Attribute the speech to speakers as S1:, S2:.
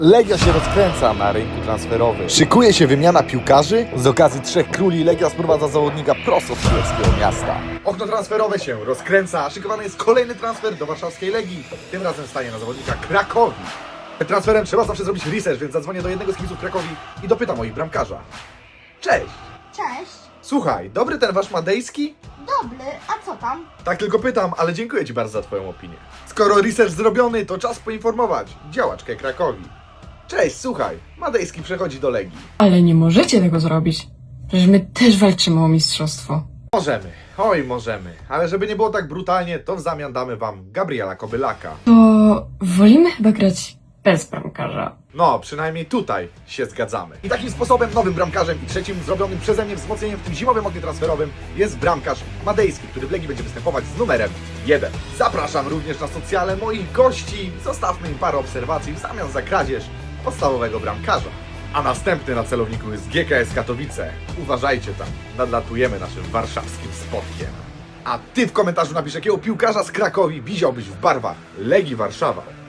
S1: Legia się rozkręca na rynku transferowym. Szykuje się wymiana piłkarzy. Z okazji Trzech Króli Legia sprowadza zawodnika prosto z królewskiego miasta. Okno transferowe się rozkręca. Szykowany jest kolejny transfer do warszawskiej Legii. Tym razem stanie na zawodnika Krakowi. Przed transferem trzeba zawsze zrobić research, więc zadzwonię do jednego z kibiców Krakowi i dopytam o ich bramkarza. Cześć!
S2: Cześć.
S1: Słuchaj, dobry ten wasz Madejski?
S2: Dobry, a co tam?
S1: Tak tylko pytam, ale dziękuję ci bardzo za twoją opinię. Skoro research zrobiony, to czas poinformować działaczkę Krakowi. Cześć, słuchaj, Madejski przechodzi do Legii.
S3: Ale nie możecie tego zrobić. Przecież my też walczymy o mistrzostwo.
S1: Możemy, oj możemy, ale żeby nie było tak brutalnie, to w zamian damy wam Gabriela Kobylaka.
S3: To wolimy chyba grać bez bramkarza.
S1: No, przynajmniej tutaj się zgadzamy. I takim sposobem nowym bramkarzem i trzecim zrobionym przeze mnie wzmocnieniem w tym zimowym oknie transferowym jest bramkarz Madejski, który w Legii będzie występować z numerem 1. Zapraszam również na socjale moich gości. Zostawmy im parę obserwacji w zamian za kradzież podstawowego bramkarza. A następny na celowniku jest GKS Katowice. Uważajcie tam, nadlatujemy naszym warszawskim spotkiem. A ty w komentarzu napisz, jakiego piłkarza z Krakowi widziałbyś w barwach Legii Warszawa.